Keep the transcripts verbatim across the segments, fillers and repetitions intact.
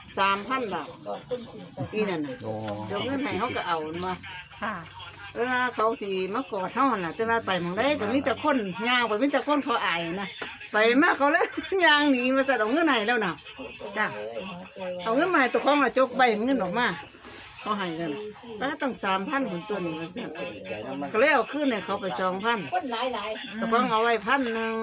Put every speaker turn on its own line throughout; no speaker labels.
สามพันบาทอีนั่นน่ะเดี๋ยวเงินให้เขาก็เอามา
ค่ะ
เออเขาสิมากอดเท่าน่ะแต่ว่าไปมองได้ก็มีแต่คนย่างไปมีแต่คนเขาอายนะไปมาเขาเลยย่างหนีมาจะเอาเงินไหนแล้วน่ะจ้ะเอาเงินมาตัวของมาจกใบเงินออกมาเขาให้เงินแล้วตั้งสามพันคนตัวนี้มาสั่ก็เลยเอาขึ้นเนี่ยเขาไปสองพันตัวของเอาไว้พันหนึ่ง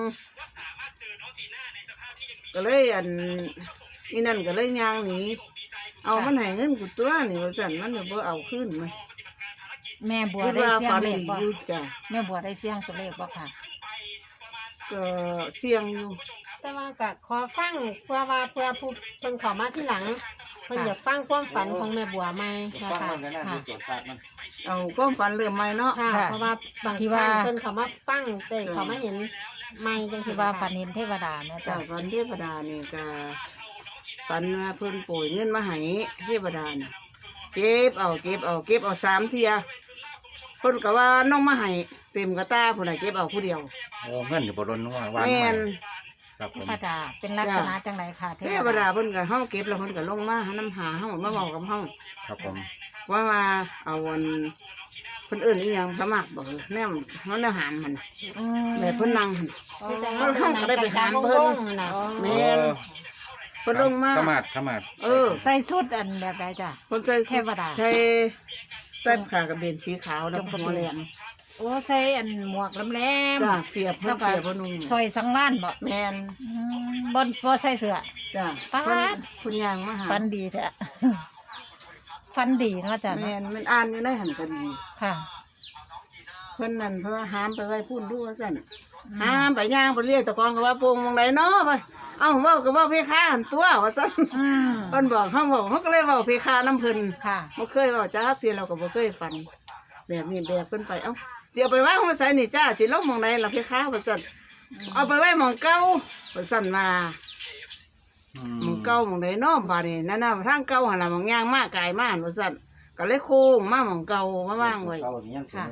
ก็เลยอันนี่นั่นก็เลยย่างหนีเอามันให้เงินกูตัวนี่มาสั่นมันเดี๋ยวเอาขึ้นมา
แม่บัวได้เสี่ยงเลขบ่
จ้ะ
แม่บัวได้เสี่ยงตัวเลขบ่ค่ะ
ก็เสี่ยงอยู่
แต่ว่าก็ขอฟังเพื่อว่าเพื่อผู้เพิ่นเข้ามาที่หลังเพิ่นอยากฟังความฝันของแม่บัวใหม่นะคะ
เอาความฝันเริ่มใหม่เนาะ
ค่ะเพราะว่าบางทีว่าเพิ่นเข้ามาฟังแต่เขามาเห็นใหม่จังซี่
ว่าฝันเห็นเทวดาเนี่ย
จ้ะฝันเทวดานี่ก็ฝันว่าเพิ่นโปรยเงินมาให้เทวดาน่ะเก็บเอาเก็บเอาเก็บเอาสามเทียคนก็ว่าน้องมาให้เต็มกระตาผู้ใดเก็บเอาผู้เดียว
โอ้เงินอยู่บนรถนัววาง
แม่น
ครับผม
เทวดาเป็นลักษณะจังไรค่ะ
เทวดาเพิ่นก็เฮาเก็บแล้วเพิ่นก็ลงมาหาน้ำหาเฮามาเว้ากับเฮา
ครับผม
ว่ามาเอาวันเพิ่นเอิ้นอีหยังสมัครบ่แนมเฮาแนวหามมันแบบเพิ่นนั่งหั่นเฮาก็ได้ไปหามเพิ่นแม่นเพิ่นลงมา
สมาดสมาด
เออ
ใส่ชุดอันแบบใดจ้ะ
เพิ่นใส่เทวดาใส่ใส่ผ้ากระเบนสีขาวแล้วหัวแหลม
โอ้ใส่อันหมวกแหลม
จ้ะเสียบเพิ่นเสียบบ่นุ่ง
ซอยสังวานบ่
แม่น
บ่บ่ใส่เสื้อ
จ้ะ
ปาด
คุณย่างมาหา
ฟันดีแท้ฟันดีเนาะจ้ะ
แม่นมันอ่านอยู่ในหันก็ดี
ค่ะ
เพิ่นนั่นเพิ่นหามไปไว้พุ่นดูว่าซั่นหามไปย่างไปเรียกตะกองก็ว่าโป่งมองไหนเนาะว่าเอ้าเว้าก็เว้าเพคาหันตัวว่าซั่นเพิ่นบอกเฮาบอกเฮาก็เลยเว้าเพคานำเพิ่น
ค่ะ
บ่เคยเว้าจักเที่ยเราก็บ่เคยฝันแบบนี้แบบเพิ่นไปเอ้าสิเอาไปวางไว้ไสนี่จ้าสิลงหม้องไหนล่ะเพคาว่าซั่นเอาไปไว้หม้องเก่าว่าซั่นมาหม้องเก่าหม้องไหนเนาะบาดนี้นั่นน่ะทางเก่าหั่นล่ะหม้องย่างมากายมาว่าซั่นก็เลยโค้งมาหม้องเก่ามาวางไว้
ค่ะ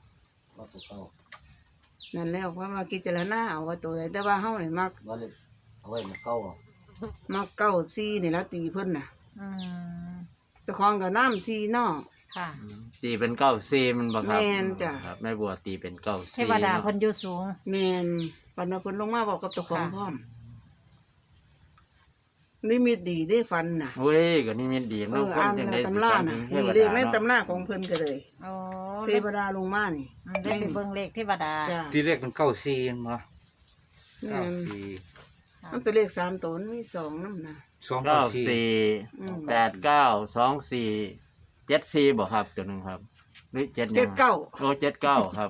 นั่นแล้วเพราะมากิจารณาเอาว่าตัวใดแต่ว่าเฮานี่มัก
เอาไว้มาเก้า
มักเก้าซีนี่แล้วตีเพิ่นน่ะ
อืม
เจ้าของก็น้ำซีเนาะ
ค่ะ
ตีเป็นเก้าซีมันบ่ครับ
แม่นจ้ะ
ครับแม่บัวตีเป็นเก้าซี
เทวดาเพิ่นอยู่สูง
แม่นปานว่าเพิ่นลงมาบอกกับเจ้าของพร้อมนิมิตดีได้ฟันน่ะ
เว้ยก็นิมิตดี
เนาะอ่านในตำราน่ะนี่เลขในตำราของเพิ่นก็เลย
โอ้
เทวดาลงมานี่
ได้ไปเบิ่งเลขเทวดา
ที่เลขเป็นเก้าซีมั้ง
เก้าซีมันเป็นเลขสามตัวมีสองนำน่ะ
สอง
เก้าสี่แปดเก้าสองสี่เจ็ดสี่บ่ครับตัวนึงครับหรือเจ็ด
เจ็ดเก้า
โอ้เจ็ดเก้าครับ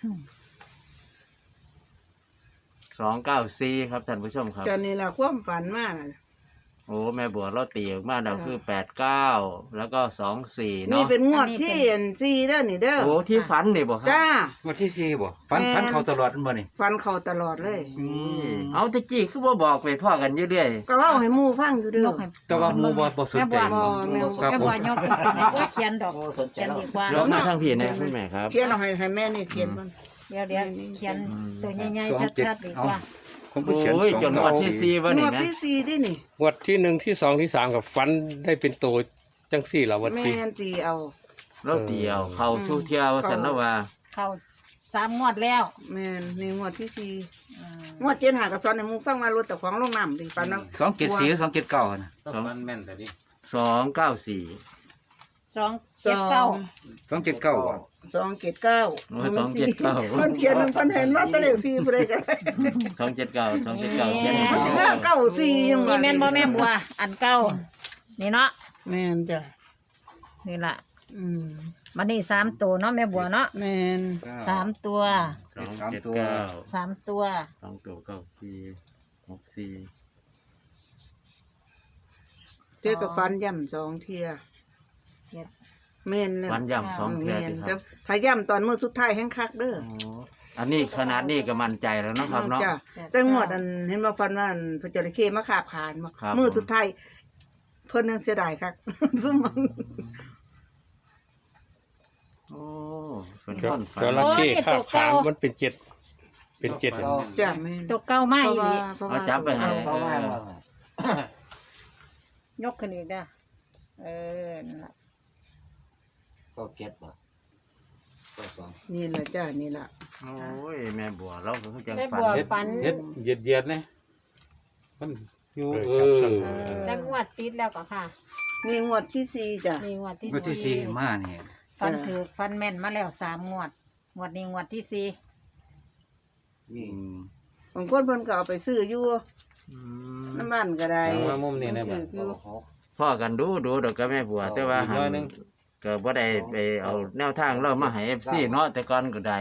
สองเก้าสี่ครับท่านผู้ชมครับ
จนนี่ล่ะความฝันมาก
โอ้แม่บัวเราตีออกมาแล้วคือแปดเก้าแล้วก็สองสี่เนาะ
นี่เป็นงวดที่เอ็นซีเด้อนี่เด้อ
โอ้ที่ฝันนี่บ่ครับ
จ้าง
วดที่สี่บ่ฝันฝันเขาตลอดบ่นี่
ฝันเขาตลอดเลย
เอาตะกี้คือบ่บอกไปพ่อกันอยู่เรื่อย
ก็เว้าให้หมู่ฟังอยู่เด้อ
แต่ว่าหมู่บ่บ่สนใจ
บ่ครับบ่ยกบ่เขียนดอกเขียนดีกว่า
แล้วมาทางพี่นะคุณแม่ครับ
เขียนเอาให้ให้แม่นี่เขียนมัน
เดี๋ยวเดี๋ยวเขียนตัวใหญ่ๆชัดๆดีกว่า
โอ้ยจนงวดที่สี่วันนี้นะ
งวดที่สี่ดินี่
งวดที่หนึ่งที่สองที่สามกับฟันได้เป็นตัวจังสี่เหรอวันที่
แม่นตีเอา
เราเตียวเขาสู้เที่ยวสันนว่า
เขาสามงวดแล้ว
แม่นนี่งวดที่สี่งวดเจ็ดหากับซ้อนในมุงฟังมารถแต่ของลงน้ำดิปันน้
ำสองเจ็ดสี่สองเจ็ดเก้านะ
สองมันแม่นแต่ดิ
สองเก้าสี่
สองเจ็ดเก้า
สองเจ็ดเก้า
สองเจ็ดเก้า
สองเจ็ดเก้า
คนเขียนมันเห็นว่าตะเลขสี่ผู้ใดกัน
สองเจ็ดเก้าสองเจ็ดเก้าเขียน
มันสิว่าเก้าสี่ยัง
นี่แม่นบ่แม่บัวอันเก้านี่เนาะ
แม่นจ้ะ
นี่ล่ะ
อืม
มันนี่สามตัวเนาะแม่บัวเนาะ
แม่น
สามตัว
สองเจ็ดเก้า
สามตัว
สองตัวเก้าสี่หกสี่
เจอกับฟันย่ำสองเทียแม่นเลย
ฟันย่ำสองเทีย
แต่ถ้าย่ำตอนมือสุดท้ายแห้งคักเด้อ
อันนี้ขนาดนี้ก็มั่นใจแล้วนะครับเนาะ
แต่งวดอันเห็นว่าฟันว่าพระเจ้าเคมาขาบขานมือสุดท้ายเพิ่นยังเสียดายคักซุ่มมัน
โอ้เป็นต้น
จระเข้ขาบขานมันเป็นเจ็ดเป็นเจ็ด
จ้ะแม่
ตัวเก้าไม้
เอาจับไปให้
ยกขึ้นอีกเด้อเออนั่นล่ะ
ก็เก็ตบ่ก็สอง
นี่แหละจ้านี่แหละ
โอ้ยแม่บัวเราก็คือจัง
แม่
ฝัน
บัว
เฮ็ด
ฝัน
เฮ็ดเหยียดเหยียดๆนะมันอยู่เออ
จังหวัดติดแล้วก็ค่ะ
นี่งวดที่สี่จ้ะ
มีงวดที่
งวดที่สี่มาเนี่ย
ฟันถือฟันแม่นมาแล้วสามงวดงวดนี้งวดที่สี่
มี
อืม
บางคนเพิ่นก็เอาไปซื้ออยู่
อืม
น้ำบ้านก็ได้
เอามามุมนี้นะบัด
อยู่
หก
พ่อกันดูดูดอกกับแม่บัว แต่ว่า
อีก
หั
หน่อย
น
หนึ่ง
ก็บ่ได้ไปเอาแนวทางเรามาให้ เอฟ ซี เนาะแต่ก่อนก็ได้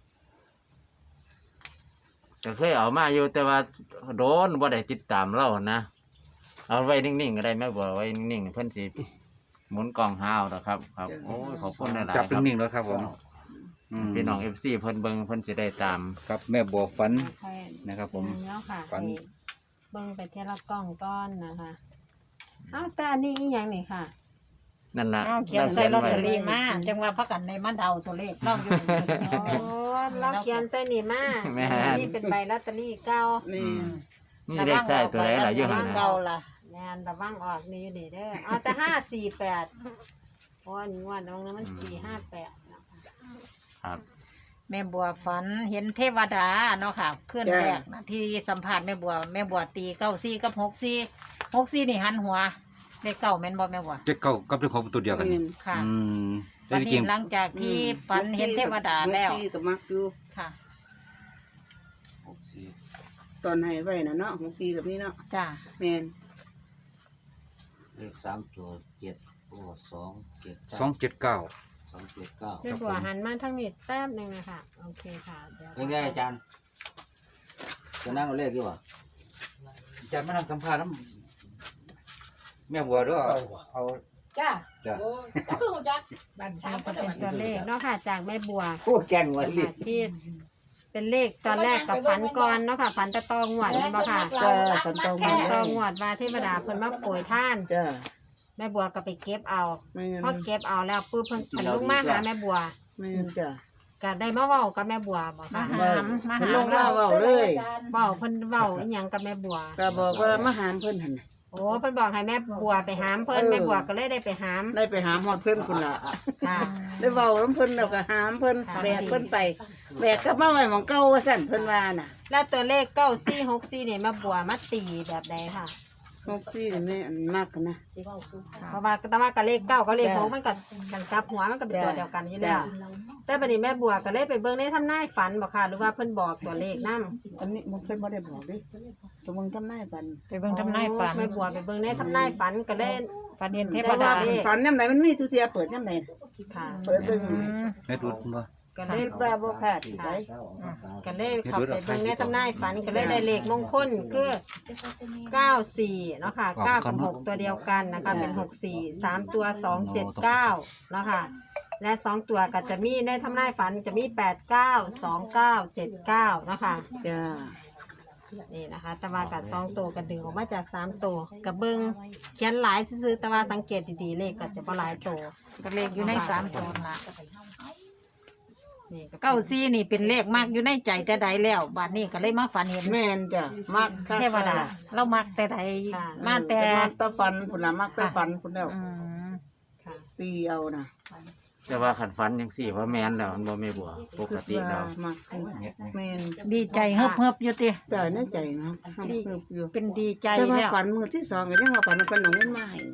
ก็เคยเอามาอยู่แต่ว่าโดนบ่ได้ติดตามเรานะเอาไว้นิ่งๆก็ได้แม่บัวไว้นิ่งๆเพิ่นสิหมุนกล่องหาเอาดอกครับครับโอ้ยขอบคุณหลายๆ
จับ
ครับ
นิ่งๆแล้วครับผมอืม
พี่น้อง เอฟ ซี เพิ่นเบิ่งเพิ่นสิได้ตาม
ครับแม่บัวฝัน
ค่อย
นะครับผม
แล้วค่ะ
ฝัน
ไปเบิ่งไปเทยละกล้องก้อนนะคะอ้าวแต่อันนี้อีหยังนี่ค่ะ
นั่นล่ะ
เอาเขียนใส่ลอตเตอรี่มาจังว่าพักกันในมาเดาตัวเลขเล่าอยู่
โอ้เราเขียนใส่นี่มา
แม่
อัน
น
นี่เป็นใบลอตเตอรี่เก่า
นี่
นี่เลขใต้ตัวไหนล่ะอยู่หั่น
เก่า
น่ะ
ล่ะ
แม่นระวังออกนี่อยู่นี่เด้อเอาแต่ห้าสี่แปดเพราะว่านี่งวดน้องนั้นมันสี่ห้าแปดนะคะ
ครับ
แม่บัวฝันเห็นเทวดาเนาะค่ะเคลื่อนแรกนะที่สัมผัสแม่บัวแม่บัวตีเก้าซี่กับหกซี่หกซี่นี่หันหัวเลขเก้าแม่นบ่แม่บัว
เจ็ดเก้ากับเลขหกเป็นตัวเดียวกัน
นี่
ค่ะ
อืมแต่
วัน
จริ
นี้
ง
หลังจากที่ฝันเห็นเทวดาแล้ว
หกสี่ก็มักอยู่
ค่ะ
หกสี่
ตอนให้ไว้น่ะเนาะหกสี่กับนี่เนาะ
จ้า
แม่น
เลขสามตัวเจ็ดโอ้สองเจ็ด
สองเจ็ดเก้า
สองเจ็ดเก้า
แม่บัวหันมาทางนี้แป๊บหนึงนะคะโอเคค่ะเดี๋ยว
เป็นไงอาจารย์จะนั่งเอาเลขดีกว่า
อาจารย์มาทำสัมภาษณ์น้ำแม่บัวด้วยเอา
จ้า
จ้ะ
โอ้ก็คือหูจักบัน
อั
สาน ม
นี้
ก็
ก็
จะ
เป็นตัวเลขเนาะค่ะจากแม่บัว
พูดแกล้งไว้ลิ
ค่ะที่เป็นเลขตอนแรกกับฝันก่อนเนาะค่ะฝันแตะตองหวดนี่บ่ค่ะ
จ้าคนโต
ฝั
มาน
ตองหวดว่าเทวดาเพิ่นมาโปรยท่าน
จ้า
แม่บัวก็ไปเก็บเอา
แม่น
พอเก็บเอาแล้วปุ๊บเพิ่นเพิ่นลงมาหาแม่บัว
แม่นจ้ะ
ก็ได้มาเว้ากับแม่บัวบ่
มา
ค่ะ
หามมา
เพิ่น
หา
ลงมาเว้าเลย
เว้าเพิ่นเว้าอีหยังกับแม่บัว
ก็บอกว่ามาหามเพิ่นหั่นน่ะ
โอ้เพิ่นบอกให้แม่บัวไปหามเพิ่น
เออ
แม่บัวก็เลยได้ไปหาม
ได้ไปหาฮอดเพิ่นคุณล่ะ
ค่ะ
ได้เว้าน้ำเพิ่นแล้วก็หามเพิ่น
ค่ะ
แบกเพิ่นไปแบกกลับมาไว้หม้องเก่าว่าซั่นเพิ่นว่าน่ะ
แล้วตัวเลขเก้าสี่หกสี่นี่แม่บัวมาตีแบบใดค่ะ
หกสี่นี่แม่อันมากนะ
สิเว้าสู่ค่ะ
เพราะว่าแต่ว่ากับเลขเก้ากับเลขหก
จ้ะ
มันก็กันกลับหัวมันก็เป็นตัว
จ้ะ
เดียวกันอยู่แล้ว
จ้ะ
แต่บัดนี้แม่บัวก็เลยไปเบิ่งในทำนายฝันบ่ค่ะหรือว่าเพิ่นบอกตัวเลขนำ
อันนี้มันเพิ่นบ่ได้บอกดิตัวมึงทำนายฝัน
ไปเบิ่งทำนายฝัน
แม่บัวไปเบิ่งในทำนายฝันก็เลย
ฝันเห็นเท
แต่
ว
ว่า
ดา
เลข
ฝันยามไหนมันมีทุกเทียเปิดยามไหน
ค่ะ
เปิดเบิ่ง
อืม
แม่ดูดบ่
ก็เล
เฮ็
ย
ดบ่บ่พลาดได้
ก็เลยเข้าไปเบิ่งในทำนายฝันก็เลยได้เลขมงคลคือเก้าสี่เนาะค่ะเก้ากับหกตัวเดียวกันนะคะเป็นหกสี่สามตัวสองเจ็ดเก้าเนาะค่ะและสองตัวก็จะมีในทำนายฝันจะมีแปดเก้าสองเก้าเจ็ดเก้าเนาะค่ะ
จ้า
นี่นะคะแต่ว่ากับสองตัวก็ดึงออกมาจากสามตัวกับเบิ้งเขียนหลายซื้อๆแต่ว่าสังเกตดีๆเลขก็จะบ่หลายตัว
ก็เลขอยู่ในสามตัวละ
นี่ก็
เก้าซี่นี่เป็นเลขมากอยู่ในใจแต่ใดแล้วบัดนี้ก็เลยมาฝันเห็น
แม่นจ้ะมักคัก
เทวดาเรามักแต่ใด
ค่ะ
มาแต่
มักแตะฝันพุ่นล่ะมักแตะฝันพุ่นแล้ว
อืม
ค่ะ
ตีเอาน่ะ
แต่ว่าขันฝันยังสี่ว่าแม่นแล้วมันบ่แม่บัวปกติแล้ว
มักแม่น
ดีใจเฮิบเฮิบอยู่ติ
จ้ะในใจนะเฮิบอยู่
เป็นดีใจ
แต่ว่า
แล้ว
ฝันมื้อที่สองก็ยังว่าฝันว่าเพิ่นเอาเงินมาให้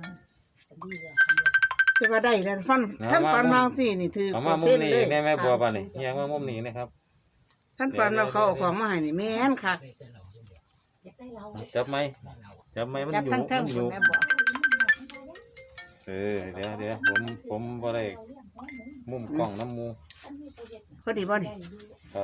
แต่ว่าได้แล้วฝันท่านฝันบางสินี่ถือ
เอามามุม
เส้น
นี้
เลย
แม่แม่บัวป่ะนี่เฮียงมามุมนี้นะครับ
ท่านฝันว่าเขาเอาของมาให้นี่แม่นคัก
จับไหมจับไหมมัน
จับ
อยู่
ทั้งเทิง
มันอ
คุ
ยู่
ณแม่บอก
เออเดี๋ยวเดี๋ยวผมผมบ่ได้มุมกล้องน้ำมู
พอดีบ่นี่
ครับ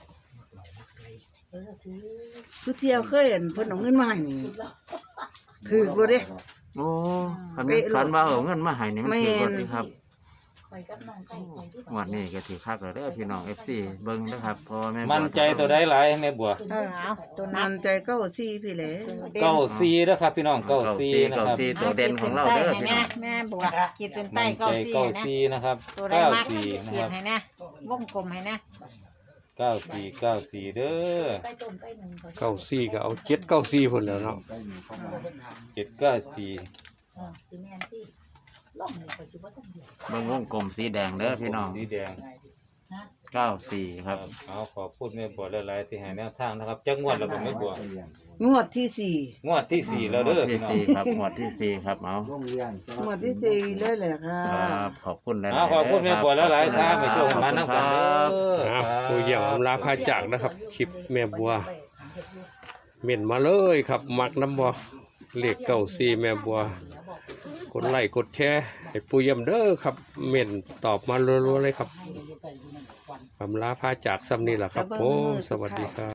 คือเที่ยวเคยเห็นเพิ่นเอาเงินมาให้นี่ถือบ่เด้
โอ้ขันแม่นฝันว่าเอาเงินมาให้นี่มัน
แม่น
ถือว่าดีครับ
ข่อยกับน้องไก่ข่อยที่
งวันนี้ก็ถือคักแล้วเด้อพี่น้อง เอฟ ซี เบิ่งนะครับเพราะว่าแม่บัว
มั่นใจตัวใดหลายแม่บัว
เออเอาตัวนั
มั
บ
นใจเก้าสี่พี่แหละ
เก้าซีนะครับพี่น้องเก้า
เก้า
ซี
ซี
นะ
เก้า
ครับ
ซีตัวเด่นของเราเด้อพี่น้อง
แม่บัวขีดเส้นใต้
มั่น
เก้า
ใจ
ซี่
เก้า
นะ
ซีนะครับ
ตัวใด
เก้าม
าก
ซี
ขี
นะ
ด
ครับ
ให้นะวงกลมให้นะ
เก้าสี่เก้าสี่เด้อ
ไปต้มไปหนึ่ง
เก้าสี่ก็เอาเจ็ดเก้าสี่พุ่นแล้วเนาะ
เจ็ดเก้าสี่
อ่าสีแมนที่ล่องนี่ก็สิบ่ทันเดียว
เบิ่งวงกลมสีแดงเด้อพี่น้อง
สีแดง
เก้าสี่ครับ
เอาขอพูดแม่บัวหลายๆที่ให้แนวทางนะครับจักงวดแล้วก็แม่บัว
งวดที่สี่
งวดที่สี่แล้ว
หม
เด้
ว
อ
ดที่
พี่น้อง
สี่ครับหมวดที่สี่ครับเอา
โรงเรียน
งวดที่สี่เลยแหละค่ะ
ครับขอบคุณหลายๆ
เอาขอบคุณแม่บัวหลายๆครับไปช่วยมานั่ง
ค
กั
รั
นเด้
บ
อ
อ่ะ
ครับ
ผู้เยี่ยมอำลาพาจากนะครับคลิปแม่บัวเม่นมาเลยครับมักน้ำบัวเลขเก้าสี่แม่บัวกดไลค์กดแชร์ให้ผู้เยี่ยมเด้อครับเม่นตอบมารัวๆเลยครับอำลาพาจากซ้ำนี่แหละครับผมสวัสดีครับ